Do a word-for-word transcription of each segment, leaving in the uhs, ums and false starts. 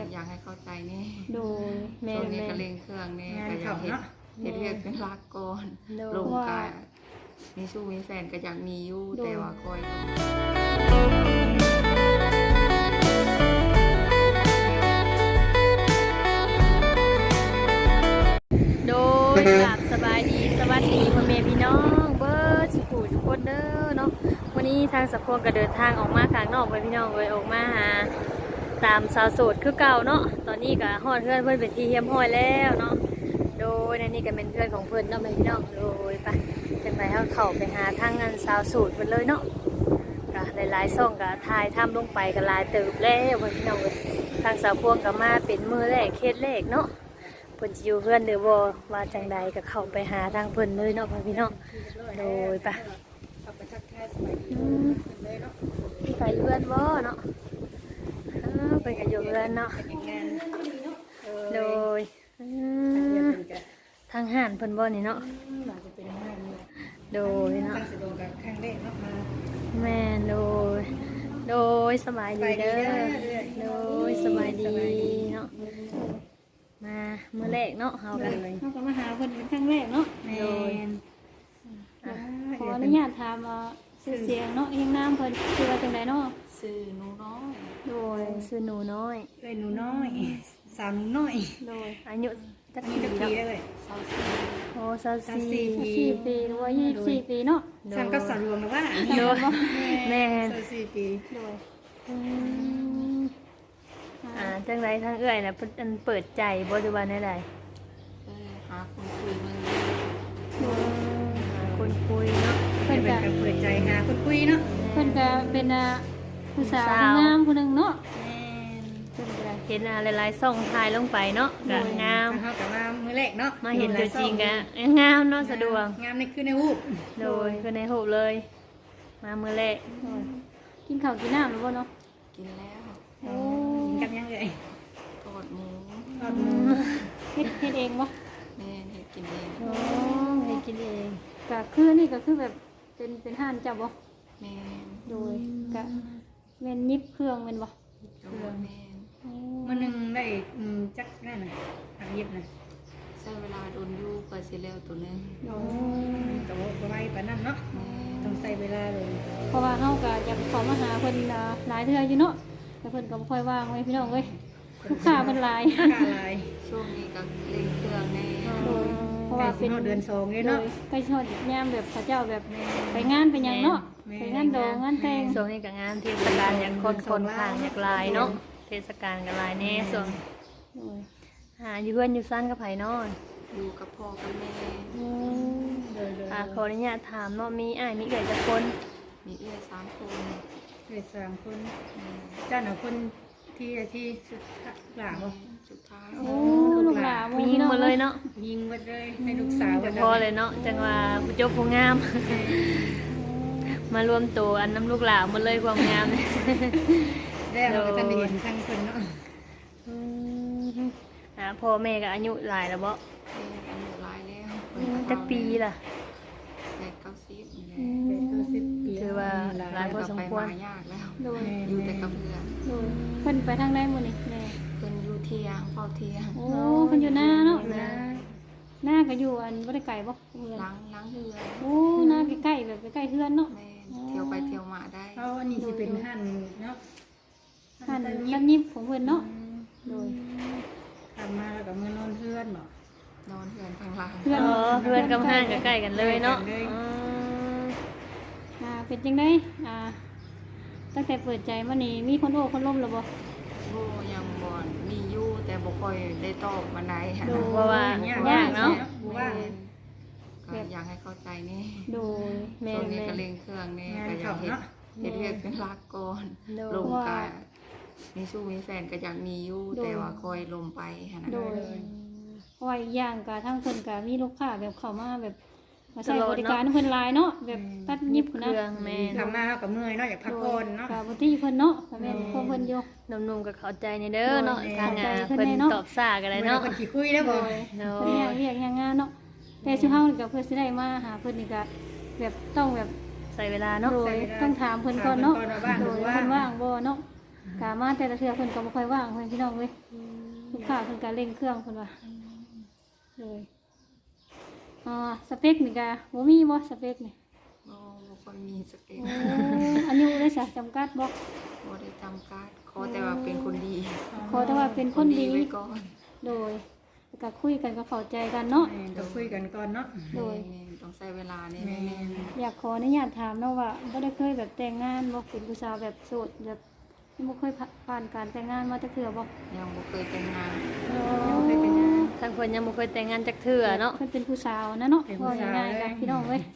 อยากให้เข้าใจนี่โดยแม่ช่วงนี้แม่ก็เร่งเครื่องนี่ก็อยากเห็นเห็นเรียกเป็นรักก่อนลงกายมีสู้มีแฟนก็อยากมีอยู่แต่ว่าคอยโดยกราบสบายดีสวัสดีพ่อแม่พี่น้องเบิร์ดสุขุทุกคนเด้อเนาะวันนี้ทางสัพพงก็เดินทางออกมาข้างนอกไปพี่น้องเลยออกมาหาตามสาวโสดคือเก่าเนาะตอนนี้ก็ฮอดเพื่อนเพื่อนเป็นที่เฮียมห้อยแล้วเนาะโดยในนี้ก็เป็นเพื่อนของเพื่อนเนาะพี่น้องโดยไปจังไปเขาเข้าไปหาทางงานสาวโสดเพื่อนเลยเนาะก็หลายๆซ่องก็ถ่ายทำลงไปก็หลายเติบแล้วพี่น้องเลยทางสาวพวงก็มาเป็นมือแรกเคสแรกเนาะเพิ่นจะอยู่เพื่อนหรือบ่ว่าจังใดก็เข้าไปหาทางเพิ่นเลยเนาะพี่น้องโดยไปไปเพื่อนบ่เนาะไปกันอยู่เพื่อนเนาะโดยทางห้านเพิ่นบ่นี่เนาะโดยเนาะแม่โดยโดยสบายดีเด้อโดยสบายดีเนาะมาเมื่อแรกเนาะเฮากันเฮาก็มาหาเพิ่นเป็นครั้งแรกเนาะโดยขออนุญาตถามว่าชื่อเสียงเนาะเฮียงนามเพิ่นชื่อว่าจังไดเนาะซื้อหนูน้อยโดยชื่อหนูน้อยเอ้ยหนูน้อยสาวหนูน้อยโดยอายุจักมีปีจักปีเนาะได้เลยโอ้สามสี่สี่ปีหรือว่ายี่สิบสี่ปีเนาะสั่งกับสาวหลวงนะว่าโดยแม่สาวสี่ปีโดยอ่าจังไรทางเอื้อยน่ะเพิ่นเปิดใจบ่หรือว่าแนวใดเออหาคนคุยมึงหาคนคุยเนาะเพิ่นก็เปิดใจหาคนคุยเนาะเพิ่นก็เป็นผู้สาวงามผู้นึงเนาะเพิ่นก็เห็นหลายๆส่องถ่ายลงไปเนาะก็งามเฮาก็มามื้อแรกเนาะมาเห็นตัวจริงก็งามเนาะสะดวกงามนี่คือในรูปโดยคือในรูปเลยมามื้อแรกกินข้าวกินน้ำหรือบ่เนาะกินแล้วโอ้กินกับยังเอ่ยทอดหมูทอดหมูเฮ็ดเฮ็ดเองบ่แม่เฮ็ดกินเองโอ้เฮ็ดกินเองก็คือนี่ก็คือแบบเป็นเป็นห้านเจ้าบ่แม่โดยก็แม่นยิบเครื่องแม่นบ่เครื่องแม่มื้อนึงได้จักนั่นน่ะทำยิบน่ะใช้เวลาโดนอยู่ก็สิแล้วตัวนึงโอ้ก็บ่ไวปานนั้นเนาะต้องใช้เวลาเลยเพราะว่าเฮาก็อยากขอมาหาเพิ่นหลายเทื่ออยู่เนาะแต่เพิ่นก็บ่ค่อยว่างไว้พี่น้องเอ้ยลูกค้าเพิ่นหลายลูกค้าหลายช่วงนี้ก็เร่งเครื่องแน่เพราะว่าเป็นเดือนสองเลยเนาะใกล้ชดยามแบบเขาเจ้าแบบไปงานไปหยังเนาะไปงานโดงานแต่งช่วงนี้ก็งานเทศกาลอยากคนคนข้างอยากลายเนาะเทศกาลก็ลายแน่ส่วนหาอยู่เพื่อนอยู่ซ่านกับไผนอนอยู่กับพ่อกับแม่อ่าขออนุญาตถามเนาะมีอ้ายมีเอื้อยจักคนมีเอื้อยสามคนเอื้อยสามคนเจ้าหน้าคนที่ที่สุดหลาบ่สุดท้ายโอ้ลูกหลานยิงหมดเลยเนาะยิงหมดเลยให้ลูกสาวจะพอเลยเนาะจังว่าผู้เจ้าผู้งามมารวมตัวอันน้ำลูกหลานหมดเลยความงามได้เราก็จะเห็นทั้งคนเนาะอ่าพ่อแม่ก็อายุหลายแล้วบ่อายุหลายแล้วจักปีล่ะแปดเก้าสิบแปดเก้าสิบปีถือว่าหลายพอสมควรยากแล้วอยู่แต่กับเพื่อนเพิ่นไปทางใดมื้อนี้แม่เพิ่นอยู่เที่ยงเฝ้าเที่ยงโอ้เพิ่นอยู่หน้าเนาะหน้าก็อยู่อันบ่ได้ไกลบ่เฮือนล้างล้างเฮือนโอ้หน้าใกล้ๆแบบใกล้ๆเฮือนเนาะเที่ยวไปเที่ยวมาได้เพราะอันนี้สิเป็นหั่นเนาะหั่นหั่นยิบของเพิ่นเนาะโดยทำมาแล้วก็มื้อนอนเฮือนเนาะนอนเฮือนข้างล่างเฮือนอ๋อเฮือนกับห้างก็ใกล้กันเลยเนาะอ่าเป็นจังได๋อ่าตั้งแต่เปิดใจมานี่มีคนโอ้คนล้มแล้วบ่โอ้ยังบ่มีอยู่แต่บ่ค่อยได้ตอบมาได้ค่ะเพราะว่ายากเนาะว่าก็อยากให้เข้าใจนี่โดยแม่ๆก็เร่งเครื่องนี่ก็อยากเฮ็ดเฮ็ดเรียกเป็นรักก่อนลงกายมีสู้มีแฟนก็อยากมีอยู่แต่ว่าคอยลมไปหั่นน่ะโดยเพราะว่าอีกอย่างก็ทั้งเพิ่นก็มีลูกค้าแบบเข้ามาแบบมาใช้บริการเพิ่นหลายเนาะแบบตัดยิบนะแม่ทำมาเฮาก็เมื่อยเนาะอยากพักผ่อนเนาะก็บ่ที่เพิ่นเนาะแม่นพอเพิ่นอยู่หนุ่มๆก็เข้าใจในเด้อเนาะทางงานเพิ่นตอบซ่าก็ได้เนาะเพิ่นสิคุยได้บ่เนาะเรียกเรียกงานเนาะแต่ชื่อเฮาก็เพิ่นสิได้มาหาเพิ่นนี่ก็แบบต้องแบบใส่เวลาเนาะต้องถามเพิ่นก่อนเนาะโดยเพิ่นว่างบ่เนาะะมาแต่ละเทื่อเพิ่นก็บ่ค่อยว่างเพิ่นพี่น้องเว้ยลูกค้าเพิ่นก็เร่งเครื่องเพิ่นว่าเลยอ่าสเปคนี่ก็บ่มีบ่สเปคนี่บ่บ่ค่อยมีสเปคโอ้อายุได้ซะจำกัดบ่บ่ได้จำกัดขอแต่ว่าเป็นคนดีขอแต่ว่าเป็นคนดีไว้ก่อนโดยแล้วก็คุยกันก็เข้าใจกันเนาะแม่นต้องคุยกันก่อนเนาะโดยแม่นต้องใช้เวลานี่แม่แม่นนอยากขออนุญาตถามเนาะว่าบ่ได้เคยแบบแต่งงานบ่เป็นผู้สาวแบบโสดแบบบ่เคยผ่านการแต่งงานมาจักเทื่อบ่ยังบ่เคยแต่งงานยังบ่เคยแต่งงานทางคนยังบ่เคยแต่งงานจักเทื่อเนาะเพิ่นเป็นผู้สาวนะเนาะเป็นผู้ว่าสาวง่ายๆเลกัยนพี่น้องเว้ย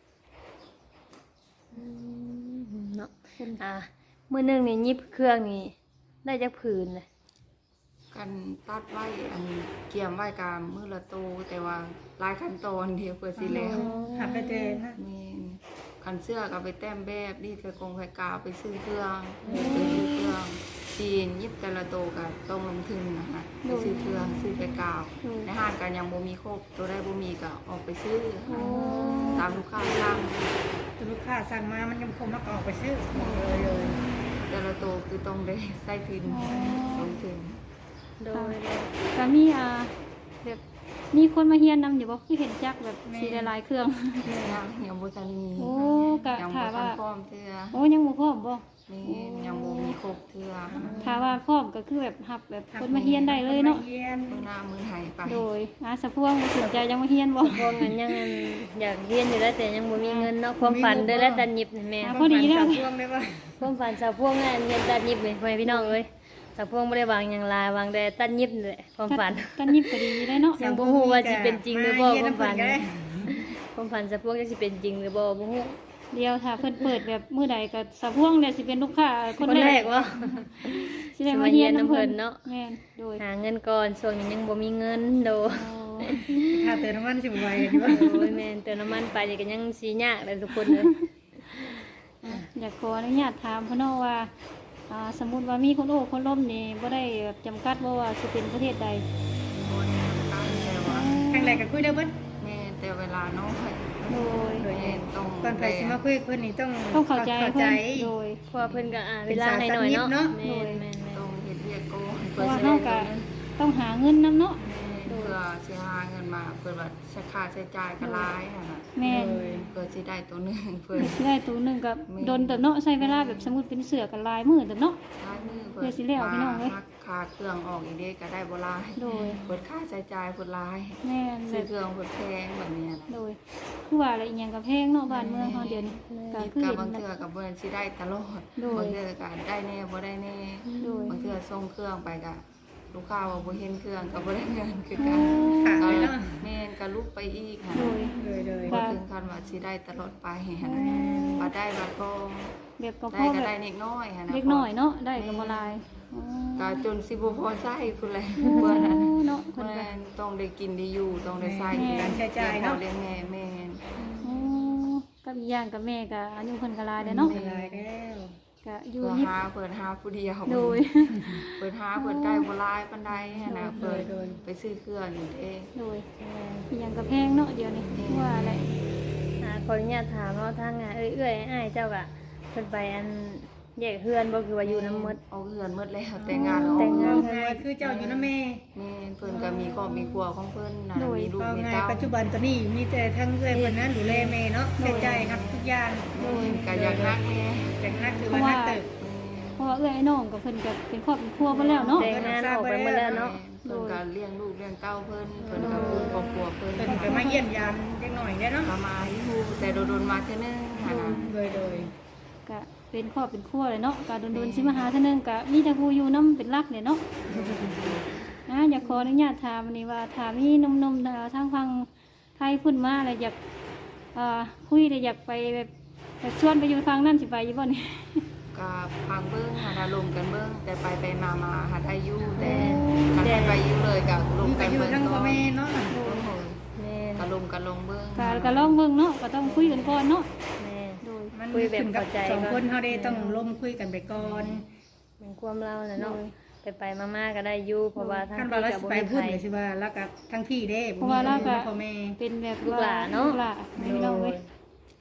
เนาะเพิ่นอ่ามื้อหนึงนี่หยิบเครื่องนี่ได้จักผืนเลยกันตัดไว้อันเกี่ยมไว้กามมือละโตแต่ว่าหลายขั้นตอนเดียวเพื่อสิแล้วหับไปแต่นะแม่นคันเสื้อก็ไปแต้มแบบนี่ไปกงไปกาวไปซื้อเครื่องไปซื้อเครื่องจีนยิบแต่ละโตก็ต้องลงทุนนะคะไปซื้อเครื่องซื้อไปกาวในห้างกันยังบ่มีครบตัวได้บ่มีก็ออกไปซื้อตามลูกค้าสั่งตัวลูกค้าสั่งมามันยังคงมักออกไปซื้อเลยเลยแต่ละโตคือต้องได้ใส่ทุนลงทุนโดยก็มีอ่าแบบมีคนมาเฮียนนำอยู่บ่คือเห็นจักแบบสีหลายๆเครื่องยังยังบ่ทันมีโอ้กะยังถาบ่ทัว่านพร้อมเทื่อโอ้ยังบ่พร้อมบ่นี่ยังบ่มีครบเทื่อถ้าว่าพร้อมก็คือแบบรับแบบคนมาเฮียนได้เลยเนาะคมเฮียนมื้อหน้ามื้อไหไปโดยอาสะพวงบ่สนใจยังมาเฮียนบ่พวกนั้นยังอยากเรียนอยู่แล้วแต่ยังบ่มีเงินเนาะความฝันเด้อแล้วตันหยิบนี่แม่พอดีแล้วสาวพวงได้ป่ะความฝันสาวพวงงานเรียนตัดหยิบนี่พ่อแม่พี่น้องเอ้ยสาวพวงบ่ได้วางหยังลายวางแต่ตัดหยิบนี่แหละความฝันกันยิบก็ดีได้เนาะยังบ่ฮู้ว่าสิเป็นจริงหรือบ่เฮียความฝันำเพิ่ก็ได้ความฝันสาวพวงจะสิเป็นจริงหรือบ่บ่ฮู้เดียวถ้าเพิ่นเปิดแบบมื้อใดก็สะพวงเนี่ยสิเป็นลูกค้าคคน นแรแรกกว่าสิได้มาเฮียนนํเพิ่นเนาะแม่นโดยหาเงินก่อนช่วงนี้ยังบ่มีเงินโดโอ้ค่าเติมน้ำมันสิบไวดีป่ะโอ้ยแม่นเติมน้ำมันไปนี่ก็ยังสิยากเลยทุกคนเลยอยากขออนุญาตถามเพิ่นเนาะว่าอ่าสมมุติว่ามีคนโอ้คนล้มนี่บ่ได้แบบจำกัดบ่ว่าสิเป็นประเทศใดบ่ได้ตั้งแต่ว่าครั้งแรกก็คุยได้เบิดแม่แต่เวลาน้อยโดยแม่ต้องก่อนไปสิมาคุยกับเพิ่นนี่ต้องต้องเข้าใจเข้าเพิ่ใจนโดยเพราะว่าเพิ่นก็อ่าเวลาให้หน่อยเนาะเป็นสาวตัดยิบเนาะแม่นแม่นแม่นต้องเฮ็ดเวียกก่อนเพเพื่อราะว่าสิเฮาได้ก็เงินต้องหาเงินนํเนาะเพื่อสิหาเงินมาเพื่อว่าใช้ค่าใช้จ่ายก็หลายนั่นน่ะแม่นเลยเพื่อสิได้ตัวหนึงเพื่อสิได้ตัวหนึงก็โดนเติบเนาะใช้เวลาแบบสมมุติเป็นเสือกันลายมื้อเติบเนาะท้ายมือเพื่อสิแล้วพี่น้องเอ้ยหักค่าเครื่องออกอีกเด้ก็ได้บ่หลายโดยเปิดค่าใช้จ่ายเพิ่นหลายแม่นแบซื้อบ เครื่องเพิ่นแพงแบบเนี้ยนะโดยคือว่าอะไรอีหยังกับแพงเนาะบ้านเมืองเฮาเดี๋ยวนี้ก็คิดคือกับเห็นบางนะเทื่อกับเบิ่นสิได้ตลอดโดยบางเทื่อก็ได้แน่บ่ได้แน่โดยบางเทื่อส่งเครื่องไปก็ลูกค้าว่าบ่เห็นเครื่องก็บ่ได้เงินคือโอ้กันขาดก็เลยเนาะแม่นก็ลุกไปอีกค่ะโดยเลยเลยบ่ถึงขั้นว่าสิได้ตลอดไปหั่นน่ะบ่ได้บัดก็แบบก็ได้พ่อก็แบได้บนิดน้อยหั่นน่ะเล็กน้อยเนาะได้ก็บ่หลายอ๋อก็จนสิบ่พอใช้พุ่นแหละโอ้เพิ่นน่ะเนาะเพิ่นแม่ก็นต้องได้กินได้อยู่ต้องได้ใช้การใช้จ่ายเนาะเลี้ยงแม่แม่นโอ้กับอีกอย่างกับแม่ก็อายุเพิ่นก็หลายแล้วเนาะไม่ได้แล้วก็อยู่เปิดยิบหาเปิดหาผู้เดียวโดยเปิดหาเปิดได้บ่หลายปานใดหั่นน่ะโดเปิยดไปซื้อเครื่องอยู่เองโดยอีหยังก็แพงเนาะเดี๋ยวนี้ว่าอะไรอ่าขออนุญาตถามเนาะทางอ่ะเอ้ยเอ้ยอ้ายเจ้าก็เพิ่นไปอันแยกเฮือนบ่คือว่าอยู่น้ำมดเอาเฮือนหมดแล้วแต่งงานแล้วแต่งงานไงคือเจ้าอยู่นะแม่แม่นเพิ่นก็มีครอบมีครัวของเพิ่นน่ะมีลูกก็มีไงเต้าปัจจุบันตอนนี้มีแต่ทั้งเอื้อยเพิ่นนั้นดูแลแม่เนาะใช้จ่ายครับทุกอย่างแม่นก็อยากรักแม่แต่งนักถือว่านักเติบเพราะว่าเอื้อยไอ้น้องกับเพิ่นก็เป็นครอบเป็นครัวมาแล้วเนาะแต่งงานออกไปหมดแล้วเนาะเพิ่นก็เลี้ยงลูกเลี้ยงเต้าเพิ่นเพิ่นก็คือครอบครัวเพิ่นเพิ่นก็มาเยี่ยมยามเล็กหน่อยได้เนาะก็มาอยู่แต่โดนๆมาเทื่อนึงหั่นน่ะโดยโดยก็เป็นครอบเป็นครัวเลยเนาะก็โดนๆสิมาหาเท่านึงก็มีแต่ผู้อยู่นํเป็นหลักเนี่ยเนาะ นะอยากขออนุญาตถามอันนี้ว่าถามมีหนุ่มๆเอ่อทางฟังไทยพุ่นมาอะไรอยากเอ่อคุยเลยอยากไปแบบอยากชวนไปอยู่ฟังนั่นสิไปอยู่บ่นี่ก็พังเบิ่งหาอารมณ์กันเบิ่งแต่ไปไปมามาหาได้อยู่แต่คันให้ไปอยู่เลยก็ลงมีกัก็นอยู่เบิ่งทั้งก่พ่ออน แม่เนาะแม่นก็ลงกันลงเบิ่งก็ก็ลองเบิ่งเนาะก็ต้องคุยกันก่อนเนาะแม่นโดยมันคุยแบบขึ้นกับเข้าใจสองก่อนคนเฮาได้ต้องล้มคุยกันไปก่อนเป็นความเราน่ะเนาะไปไปๆมาๆก็ได้อยู่เพราะว่าทางคันที่ว่าเราก็สิบ่ไปมีพูดไผเลยสิว่าแล้วก็ทั้งพี่เด้เพราะว่าเราก็พ่อแม่เป็นแบบลูกหลานเนาะลูกหลานไม่น้องเว้ยเล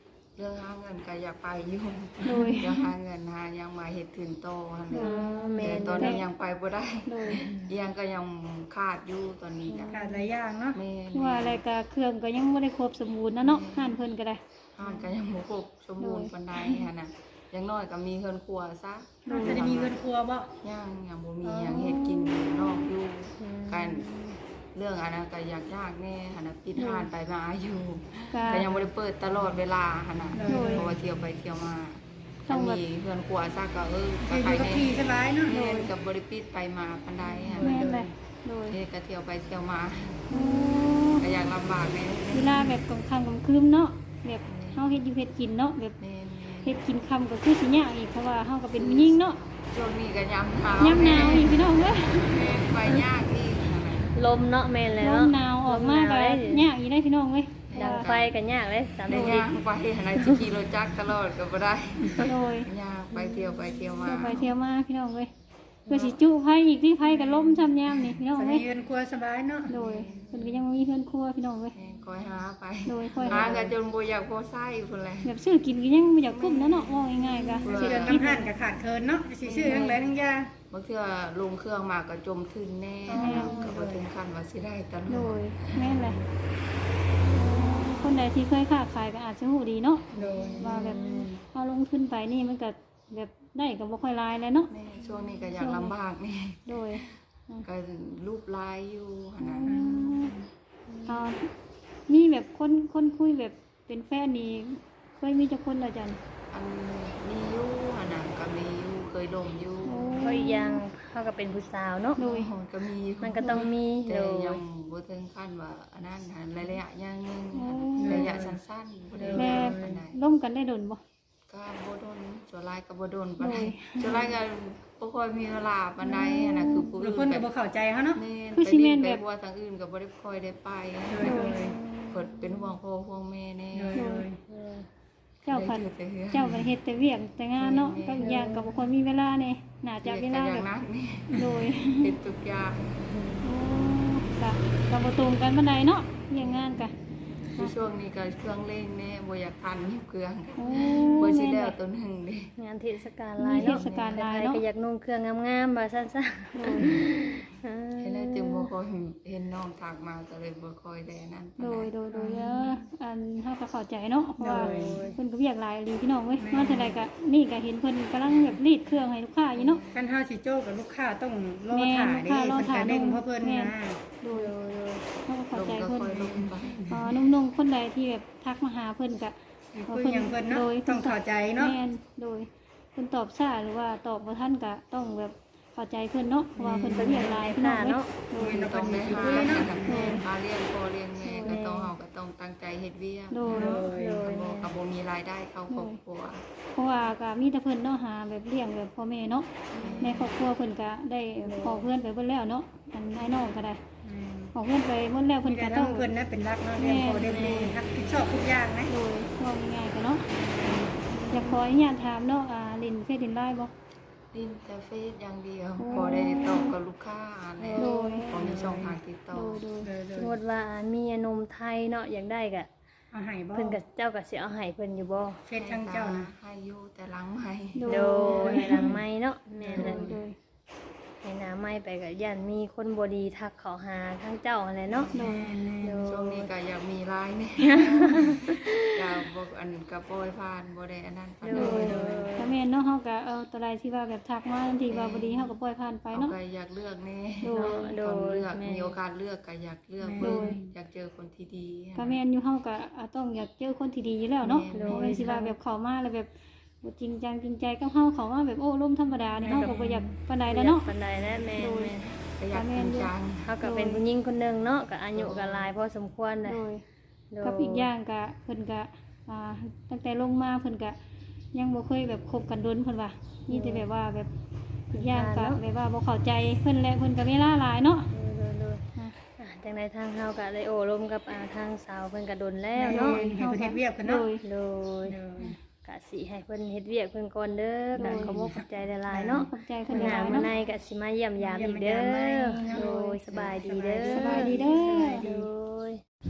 รื่องหาเงินก็อยากไปอยู่โดยเดี๋ยวหาเงินหายังมาเฮ็ดถึงโตหั่นอ๋แหอละแม่แต่นตอนนี้ยังไปบ่ได้โดยยังก็ยังขาดอยู่ตอนนี้ก็ขาดหลายอย่างเนาะแม่คือว่าอะไรก็เครื่องก็ยังบ่ได้ครบสมบูรณ์นะเนาะห้านเพิ่นก็ได้ห้านก็ยังบ่ครบสมบูรณ์ปานใดหั่นน่ะอย่างน้อยก็มีเฮือนครัวซะเราจะได้มีเงินครัวบ่ยังยังบ่มียังเฮ็ดกินอยู่นอกอยู่กันเรื่องอันนั้นก็อยากยากแน่หั่นน่ะปิดห้านไปมาอยู่ก็ก็ยังบ่ได้เปิดตลอดเวลาหั่นน่ะโดยเพราะว่าเที่ยวไปเที่ยวมาต้ถ้าองแบบมีเฮือนครัวซะก็เอออก็ยู่ใครกับแน่พี่สบายเนาะแม่นกับบริปิดไปมาปานใดหั่นแม่น่ะนเลยโดยเฮ็ดก็เที่ยวไปเที่ยวมาโอ้ก็อยากลำบากแน่เวลาแบบกลางค่ำกลางคืนเนาะแบบเฮาเฮ็ดอยู่เฮ็ดกินเนาะแบบแม่นเฮ็ดกินค่ำก็คือสิยากอีกเพราะว่าเฮาก็เป็นผู้หญิงเนาะๆช่วงนี้ก็ยามหนาวยามหนาวอีกพี่น้องเอ้ยแม่นไปยากอีกหั่นน่ะลมเนาะแม่นเลยลเนาะมหนาวออกมาก็ยากอีกได้พี่น้องเอ้ยดังไฟกันยากเลยสามได้สิบย่างไปหั่นน่ะสิขี่รถจักรตลอดก็บ่ได้โดยยากไปเที่ยวไปเที่ยวมาเที่ยวไปเที่ยวมาพี่น้องเอ้ยเพื่อสิจุไผอีกที่ไผก็ล้มซ้ำยามนี่พี่น้องจะเอ้มียเงินครัวสบายเนาะโดยเพิ่นก็ยังบ่มีเฮือนครัวพี่น้องเอ้ยแม่นคอยหาไปโดยค่อยหาหากันจนบ่อยากพอไส้พุ่นแหละแบบซื้อกินก็ยังบ่อยากกุ้มนะเนาะว่าง่ายๆก็เออสิเดือนน้ำหันกับขาดเคินเนาะสิซื้อทั้งหลายทั้งยาบางเทื่อลงเครื่องมาก็จมทึนแน่ก็บ่ถึงขั้นว่าสิได้ตลโดอดยแม่นเลยคนใดที่เคยค้าขายก็อาจจะฮู้ดีเนาะโดยว่าแบบเอาลงทุนไปนี่มันก็แบบได้ก็บ่ค่อยหลายแล้วเนาะแม่ช่วงนี้ก็อยากลำบากนี่โดยก็รูปลายอยู่หั่นน่ะอ่ามีแบบคนคนคุยแบบเป็นแฟนนี่เคยมีจักคนแล้วจันอันมีอยู่หั่นน่ะก็มีอยู่เคยลงอยู่ก็อีกอย่างเขาก็เป็นผู้สาวเนาะโดยโอ้ก็มีอยู่มันก็ต้องมีแต่โดยยังบ่ถึงขั้นว่าอันนั้นหั่นระยะยางหนึงระยะสั้นๆบ่ได้แบยาวบปานใดร่มกันได้ดนบ่ก็บ่โดนส่วนหลายก็บ่โดนปานใดโอ้ยส่วนหลายก็บ่ค่อยมีเวลาปานใดหั่นน่ะคือผู้หรือื่อน คนแบก็บบ่เข้าใจเขาเนาะแม่นคือไปสิแม่เรียนนแบไปบบัวทางอื่นก็บ่ได้ค่อยได้ไปโดยโดยเพิ่นเป็นห่วงพ่อห่วงแม่แน่โดยโดยเออเจ้าพันได้อยู่แต่เฮือนเจ้าก็เฮ็ดแต่เวียกแต่งานเนาะก็อีกอย่างก็บ่ค่อยมีเวลานี่น่าจะเวลาอแบย่าบงนั้นนี่โดยเฮ็ดทุกอย่างโอ้กะกะบ่ตรงกันปานใดเนาะเรื่องงานกะคือช่วงนี้ก็เครื่องเล่งแน่บ่อยากทันยิบเครื่องโอ้บ่สิแม่นแล้วเลยตัวหนึงเด้งานเทศกาลหลายมีเทเนาะศกาลหลายใครเนาะก็อยากนุ่งเครื่องงามๆบ่ซั่นซะเออเห็นแล้วจึงบ่ค่อยเห็นน้องทักมาก็เลยบ่ค่อยได้อันนั้นปานโดใดยโดยโดยเด้ออันเฮาก็เข้าใจเนาะเพราะว่าโดยเพิ่นก็เวียกหลายอีหลีพี่น้องเว้ยมาเท่าใดก็นี่ก็เห็นเพิ่นกำลังแบบรีดเครื่องให้ลูกค้าอยู่เนาะคันเฮาสิโจ้กับลูกค้าต้องรอแม่ถ่าลูกเด้ค้ารอเพิ่นถ่าก็เด้งเพราะเพิ่นแม่นะโดยโดยโดยเฮาก็เข้าลงใจก็เพิ่นค่อยลงไปอ๋อนุ่มๆคนใดที่แบบทักมาหาเพิ่นก็คืออย่างเพิ่นเนาะต้องเข้าใจเนาะแม่นโดยเพิ่นตอบช้าหรือว่าตอบบ่ทันก็ต้องแบบเข้าใจเพิ่นเนาะเพราะว่าเพิ่นก็เวียกหลายพี่น้องเนาะโดยก็ต้องได้หาคุยเนาะหาเลี้ยงพ่อเลี้ยงแม่ก็ต้องเฮาก็ต้องตั้งใจเฮ็ดเวียกโดยโดยโดยบ่ก็บ่มีรายได้เข้าครอบครัวเพราะว่าก็มีแต่เพิ่นเนาะหาแบบเลี้ยงแบบพ่อแม่เนาะในครอบครัวเพิ่นก็ได้ขอเพื่อนไปเบิดแล้วเนาะอันไอ้น้องก็ได้ขอเพื่อนไปเบิดแล้วเพิ่เพิ่นนก็ก็ต้ต้ออง งเพิ่นนะเป็นรักเนาะเลี้ยงพ่อเลี้ยงแม่รับผิดชอบทุกอย่างนะโดยว่าง่ายๆก็เนาะอยากขออนุญาตถามเนาะอ่าลินเฟซลินไลน์บ่ดินแต่เฟซอย่างเดียวพอได้ตอบกับลูกค้าแล้วโดยพอมีช่องทางติดต่อโดยโดยโดยโดสยมมุติว่ามีนมไทยเนาะอยากได้ก็เอาให้บ่เพิ่นก็เจ้าก็สิเอาให้เพิ่นอยู่บ่เฟซทางเจ้านะให้อยู่แต่หลังไม่โดยให้หลังไม้เนาะแม่นโดเลยยโดยให้หน้าไม้ไปก็ย่านมีคนบ่ดีทักเขาหาทั้งเจ้าอะไรเนาะโดยโดช่วงยนี้ก็อยากมีรายเนี่ยก็บอกอันกับโปรยผ่านบ่ได้อันนั้นปานโดใดยโดยก็แม่นเนาะเฮาก็เอาตัวใดที่ว่าแบบทักมาทันทีว่าบ่ดีเฮาก็ปล่อยผ่านไปเอาเนาะไปอยากเลือกแน่โดยโดต้องยเลือกแม่มีโอกาสเลือกก็อยากเลือกโดเบิ่งยอยากเจอคนที่ดีก็แม่นอยู่เฮาก็อ่าต้องอยากเจอคนที่ดีอยู่แล้วเนาะแม่นบ่แม่นสิว่าแบบเข้ามาแล้วแบบบ่จริงจังจริงใจกับเฮาเข้ามาแบบโอ้ร่มธรรมดานี่เฮาก็บ่อยากปานใดแล้วเนาะปานใดแล้วแม่นแม่นก็อยากจริงจังเฮาก็เป็นผู้หญิงคนหนึงเนาะก็อายุก็หลายพอสมควรนะโดยโดยกับอีกอย่างก็เพิ่นก็อ่าตั้งแต่ลงมาเพิ่นก็ยังบ่เคยแบบคบกันดนเพิ่นว่ามีแต่แบบว่าแบบอีกอย่างก็แบบว่าบ่เข้าใจเพิ่นแหละเพิ่นก็เวลาหลายเนาะโดยโดยอ่ะอ่ะจังไดทางเฮาก็ได้โอ้ลมกับอ่าทางสาวเพิ่นก็ดนแล้แล้ววเนาะเนาะให้เพิ่นเฮ็ดเวียกเพิ่นโดเนาะยโดยโดยกะสิให้เพิ่นเฮ็ดเวียกเพิ่นก่อนเด้อโดกะยขอบคุณใจหลายๆเนาะขอบใจเพิ่เพิ่นนหหาลายมาเนาะในกะสิมาเยี่ยมยามอีกเด้อโดยสบายดีเด้อสบายดีเด้อโดย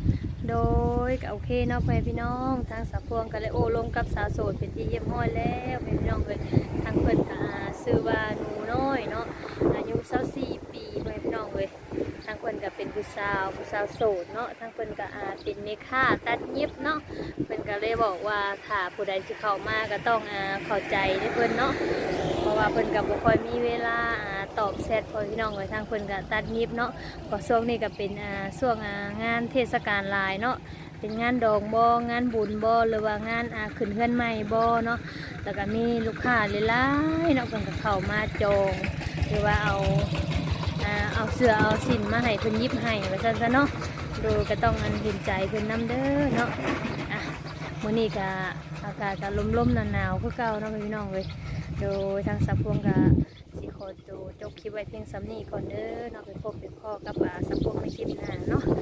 โดยก็โอเคเนาะพ่อแม่พี่น้องทางสาวพวงก็เลยโอ้ลงกับสาวโสดเป็นที่เยี่ยมห้อยแล้วพ่อแม่พี่น้องเลยทางเพิ่นก็ชื่อว่าหนูน้อยเนาะอายุยี่สิบสี่ปีพ่อแม่พี่น้องเลยทางเพิ่นก็เป็นผู้สาวผู้สาวโสดเนาะทางเพิ่นก็อาเป็นเมค่าตัดเย็บเนาะเพิ่นก็เลยบอกว่าถ้าผู้ใดสิเข้ามาก็ต้องอ่าเข้าใจในเพิ่นเนาะเพราะว่าเพิ่นก็บ่ค่อยมีเวลาอ่าตอบแชทพ่อพี่น้องเลยทางเพิ่นก็ตัดเย็บเนาะเพราะช่วงนี้ก็เป็นอ่าช่วงอ่างานเทศกาลหลายเนาะเป็นงานดองบ่งานบุญบ่หรือว่างานอ่าขึ้นเฮือนใหม่บ่เนาะแล้วก็มีลูกค้าหลายๆเนาะเพิ่นก็เข้ามาจองหรือว่าเอาอ่าเอาเสื้อเอาสินมาให้เพิ่นยิบให้ว่าซั่นซะเนาะโดยก็ต้องอันเห็นใจเพิ่นนำเด้อเนาะอ่ะมื้อนี้ก็อากาศก็ลมๆหนาวๆคือเก่าเนาะพี่น้องเว้ยโดยทางสับพวงก็สิขอตัวจบคลิปไว้เพียงส่ำนี้ก่อนเด้อเนาะไปพบไปพ้อกับอ่าสับพวงในคลิปหน้าเนาะ